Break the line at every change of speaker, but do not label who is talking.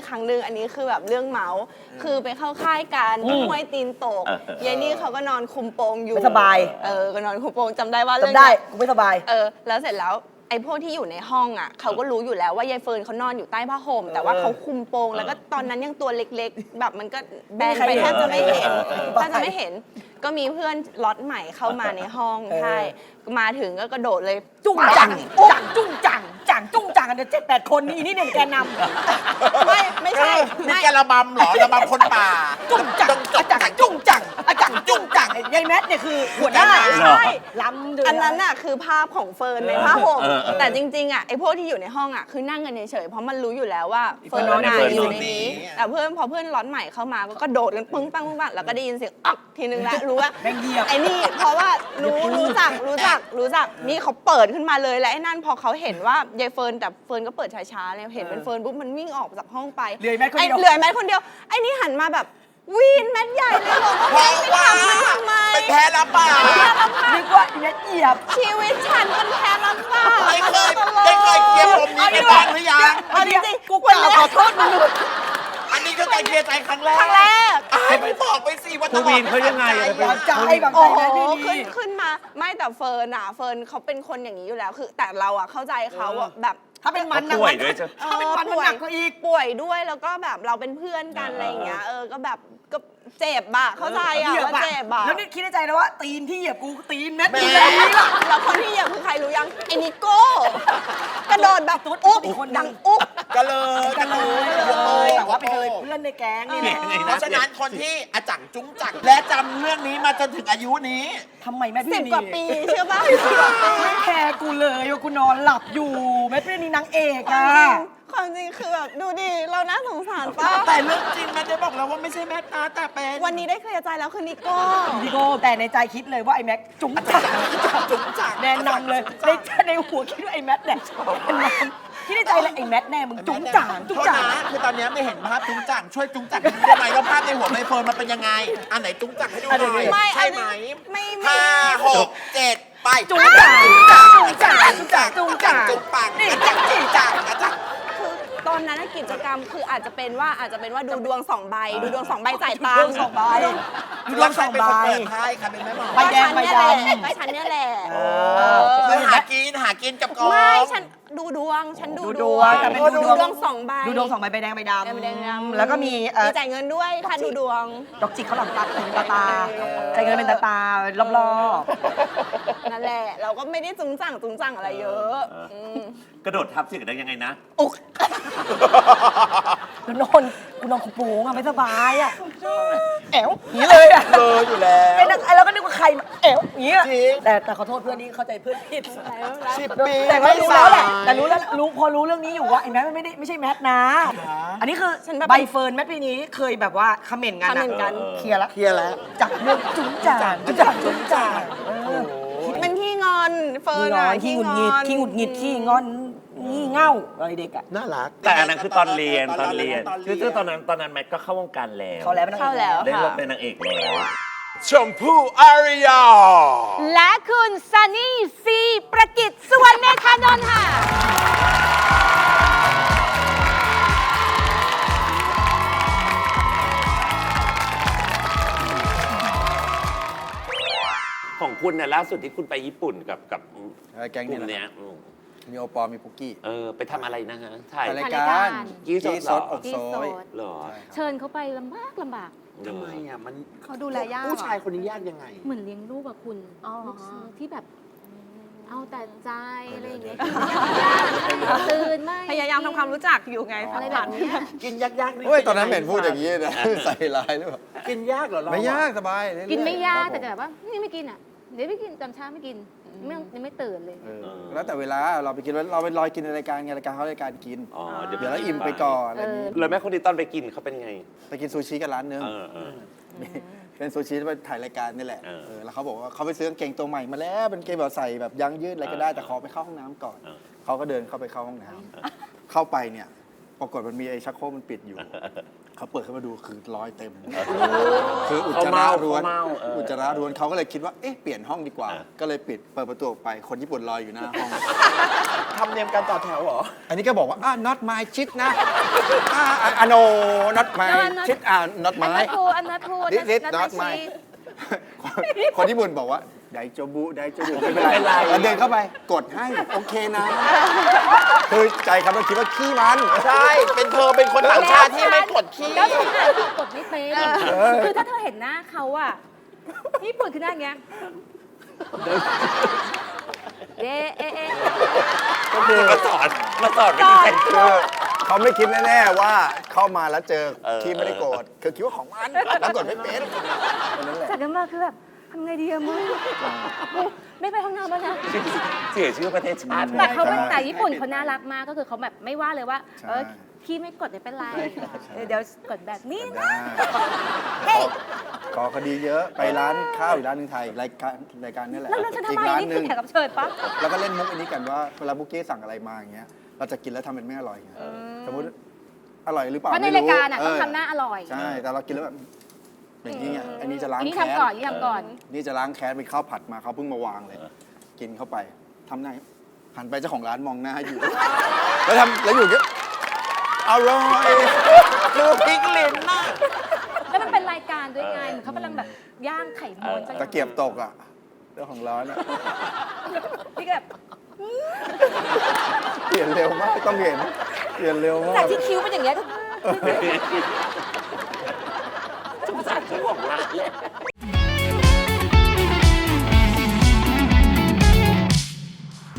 ครั้งหนึ่งอันนี้คือแบบเรื่องเมาส์คือไปเข้าค่ายกันที่ห้วยตีนโตกยายนี่เขาก็นอนคุมโปงอยู่
ไม่สบาย
ก็นอนคุมโปงจำได้ว่าเรื่อง
จำได้กูไม่สบาย
แล้วเสร็จแล้วไอ้พวกที่อยู่ในห้องอ่ะเขาก็รู้อยู่แล้วว่ายายเฟิร์นเขานอนอยู่ใต้ผ้าห่มแต่ว่าเขาคุมโปงแล้วก็ตอนนั้นยังตัวเล็กๆแบบมันก็แบนไปแทบจะไม่เห็นก็มีเพื่อนล็อตใหม่เข้ามาในห้องใช่มาถึงก็กระโดดเลย
จุ้งจังจุ้งจังจุ้งจังกันเดี๋ยว7-8 คนนี่เนี่ยแกนำ
ไม่ใช่
นี่แกระบำเหรอระบำคนป่า
จุ้งจังอาจารย์จุ้งจังอาจารย์จุ้งจังยายแมทเนี่ยคือหัวหน้า
ใช่
ล้ำ
อันนั้นน่ะคือภาพของเฟิร์นในผ้าห่มแต่จริงๆอ่ะไอ้พวกที่อยู่ในห้องอ่ะคือนั่งกันเฉยๆเพราะมันรู้อยู่แล้วว่าเฟิร์นนอนอยู่ในนี้แต่พอเพื่อนล็อตใหม่เข้ามาก็กระโดดกันปึ้งปังแล้วก็ได้ยินเสียงอ๊อกทีนึงแล้วรู้ว่าไอ้นี่เพราะว่ารู้จักนี่เขาเปิดขึ้นมาเลยแล้วไอ้นั่นพอเขาเห็นว่ายายเฟิร์นแต่เฟิร์นก็เปิดช้าๆเลยเห็นเป็นเฟิร์นปุ๊บมันวิ่งออกจากห้องไป
เหลือแมทคนเ
ดียวไอ้นี่หันมาแบบวีนแมทใหญ่เลยบอกว่าไม่ทำมันทำไม
เป็นแพ้รับป่า
นึกว่าแมทเหยียบ
ชีวิตฉันเป็นแพ้รับป่า
ไม่เคยเคลียร์ผมนี้กันบ้างหรือยัง
จริงๆกูกล่าวขอโทษมึง
อันนี้ก็การเคลียร์ใจครั้งแรกไม่บอกไปสิว่า
ต้องวีนเขายังไง
ใจแบบ
ขึ้นมาไม่แต่เฟิร์นเขาเป็นคนอย่างนี้อยู่แล้วคือแต่เราอะเข้าใจเขาแบบ
ถ้าเป็นมัน
ป่วยด้วยจ้ะ
ถ้าเป็นมันหนักกว่าอีก
ป่วยด้วยแล้วก็แบบเราเป็นเพื่อนกันอะไรอย่างเงี้ยก็แบบก็เจ็บอะเข้าใจอะว่าเจ็บอะ
แล้วนี่คิดในใจนะว่าตีนที่เหยียบกูตีนแมทตีน
แล้วคนที่เหยียบคือใครรู้ยังไอ้นิโก้กระโดดแบบอุ๊บดังอุ๊บ
กันเลย
แต่ว่าเป็นเพื่อนในแก๊งนี่แหละ
เพราะฉะนั้นคนที่อาจังจุ้งจักและจำเรื่องนี้มาจนถึงอายุนี้
ทำไมแม่พี่
10 กว่าปีเชื่อป่ะ
ไม่แคร์กูเลยว่ากูนอนหลับอยู่แม่พี่นี่นางเอกอะ
ความจริงคือแบบดูดิเราน่าสงสารป้า
แต่เรื่องจริงแม่ได้บอกแล้วว่าไม่ใช่แม่ตาแต่เป็น
วันนี้ได้เคลียร์ใจแล้วคือนิโก้
แต่ในใจคิดเลยว่าไอ้แม็กจุ๋งจักแน่นำเลยในหัวคิดว่าไอ้แม็กเนี่ยคิดในใจเลยไอ้แม็กแน่มึงจุ๋งจัง
คือตอนนี้ไม่เห็นภาพจุ้งจังช่วยจุ้งจังได้ไหมว่าภาพในหัวใบเฟิร์นมันเป็นยังไงอันไหนจุ้งจังให้ดูหน่อยใช่ไหม5 6 7ไป
จุ๋งจัง
นี่จัง
คือตอนนั้นกิจกรรมคืออาจจะเป็นว่าดูดวง2 ใบดูดวง2 ใบจ่ายตังค์
2 ใบ
ดูดวง2 ใบเปิดไพ่ค่ะเป็นแม่หมอ
ใบแดงใบดำ
ใบฉันเนี่ยแหละ
คือหากินกับกอง
ไม่ฉันดูดวง
แต่เป็น
ดูดวง2 ใบ
ดูดวง2 ใบใบแดงใบดำแล้วก็มี
จ่ายเงินด้วยถ้าดูดวง
ดอกจิกเขาหลังตาจ่ายเงินเป็นตารอบ
นั่นแหละเราก็ไม่ได้จุงจังอะไรเยอะ
กระโดดทับเสียงได้ยังไงนะ
อุ๊กกูนอนขุปูงอะไม่สบายอะแอ๋วอย่างนี้เลยอะ
อยู่แล้ว
ไอ้เราก็นึกว่าใครแอ๋วอย่างนี้แต่ขอโทษเพื่อนนี่เข้าใจเพื่อนผิด
10 ปี
แต่ไม่รู้แล้วแหละแต่พอรู้เรื่องนี้อยู่ว่าไอ้แมทไม่ใช่แมทนะอันนี้คือใบเฟิร์นแมทปีนี้เคยแบบว่าคอมเมนต์กันเคลียร์แล้วจากเรื่องจุ๋งจ่าง
เป็นขี้งอนเฟิร์นอะ
ขี้หงุดหงิดขี้งอนงี่เง่าอะไรเด็กอะ
น่ารัก
แต่อันนั้นคือตอนเรียนคือตอนนั้นแมทก็เข้า วงการแล้ว
เข้าแล้ว
ได้รับเป็นนางเอกแล้ว
ชมพู่อาริยา
และคุณซันนี่ซีประกิตสุวรรณเมธานนท์ค่ะ
ของคุณเนี่ยล่าสุดที่คุณไปญี่ปุ่นกับ
แก๊ง
นี้
มีโอปอมีปุกกี้
ไปทำอะไรนะฮะถ่าย
รายการ
กี้สด
อกโซย
หรอ
เชิญเขาไปลำบาก
ทำไมอ่ะมัน
เขาดูแลยาก
ผู้ชายคนนี้ยากยังไง
เหมือนเลี้ยงลูกอะคุณลูกที่แบบเอาแต่ใจอะไรอย่างเงี้ยตื่นไม่
พยายามทำความรู้จักอยู่ไง
อะไรแบบนี้
กินยาก
ๆเฮ้ยตอนนั้นเห็นพูดอย่างนี้นะใส่ลายหรือเปล่า
กินยากเหรอ
ไม่ยากสบาย
กินไม่ยากแต่แบบว่านี่ไม่กินอ่ะเดี๋ยวไม่กินตอนเช้าไม่กินยังไม่ตื่นเลย
แล้วแต่เวลาเราไปกินเราไปลอยกินในรายการไงรายการเขารายการกินเดี๋ยวแล้วอิ่มไปก่อนอะไรนี้
เลยแม่คนนี้ตอนไปกินเขาเป็นไง
ไปกินซูชิกันร้านนึงเป็นซูชิไปถ่ายรายการนี่แหละแล้วเขาบอกว่าเขาไปซื้อกางเกงตัวใหม่มาแล้วเป็นเกงแบบใส่แบบยางยืดอะไรก็ได้แต่ขอไปเข้าห้องน้ำก่อนเขาก็เดินเข้าไปเข้าห้องน้ำเข้าไปเนี่ยปรากฏมันมีไอ้ชักโครกมันปิดอยู่เขาเปิดขึ้นมาดูคือรอยเต็มคืออุจจาระล้วนเขาก็เลยคิดว่าเอ๊ะเปลี่ยนห้องดีกว่าก็เลยเปิดประตูออกไปคนญี่ปุ่นรออยู่หน้าห้อง
ทำเนียมการต่อแถวเหรอ
อันนี้ก็บอกว่าnot my shit นะ no not my
No, I'm not-
ชิดnot
I'm
my
not cool I'm not cool
This is
That's
not
my
my
cheese
คนญี่ปุ่นบอกว่าไดโจบุไม่เป็นไรแล้วเดินเข้าไปกดให้โอเคนะคือใจครับเราคิดว่าขี้มัน
ใช่ เป็นเธอเป็นคนต่างชาติที่ไม่กดขี้
แล้วฉันอ่านกดไม่เป็นคือถ้าเธอเห็นหน้าเขาอะญี่ปุ่นคือหน้าอย่างเงี้ยเอ๊ะเอ๊ะเอ๊ะ
ก็คือ
มาสอนวิธีแต่งตัว
คือเขาไม่คิดแน่ๆว่าเข้ามาแล้วเจอที่ไม่ได้โกรธคือคิดว่าของมันแล้วกดไม่เป็นนั่นแหละ
จากนั้นมาคือแบบทำไงดีอะมึงไม่ไปห้องน้ำแล้วนะ
เสียชื่อประเทศชาติ
แต่เขาเป็น
ใช่
แต่ญี่ปุ่นเขาน่ารักมากก็คือเขาแบบไม่ว่าเลยว่า
ใช่
พี่ไม่กดไม่เป็นไรเดี๋ยวกดแบบนี้
ได้
เฮ้ย
ขอคดีเยอะไปร้านข้าวอีกร้านหนึงไทยรายการนี่แหละ
แล้วฉันทำ
อี
ไม
กร้าน
นี่
ห
คื
นึ่
อง แขกรับเชิญปะ
แล้วก็เล่นมุกอันนี้กันว่าเวลาบุกกี้สั่งอะไรมาอย่างเงี้ยเราจะกินแล้วทำเป็นไม่อร่อยไงสมมติอร่อยหรือเปล่า
เพราะใน
ไม่
รายการอะต้อง
เ
ทำหน้าอร่อย
ใช่แต่เรากินแล้วแบบอย่างนี้ไงอันนี้จะล้าง
อันนี้
แค้น
ทำก่อนนี่ทำก่อน
นี่จะล้างแค้นเป็นข้าวผัดมาเขาเพิ่งมาวางเลย กินเข้าไปทำหน้าหันไปเจ้าของร้านมองหน้าอยู่ แล้วอยู่เงี้ยอร่อย
ดูพริกลิ้นน่ะ
แล้วมันเป็นรายการด้วยไงเหมือนเขากำลังแบบย่างไข่ม้วน
ตะเกียบตกอ่ะเจ้าของร้านอ่ะ
พี่ก็แบบ
เปลี่ยนเร็วมากต้องเห็นเปลี่ยนเร็วมา
จาก
ก
ที่คิ้วเป็นอย่างเงี้ย
สงสารเจ้าของร้านเลย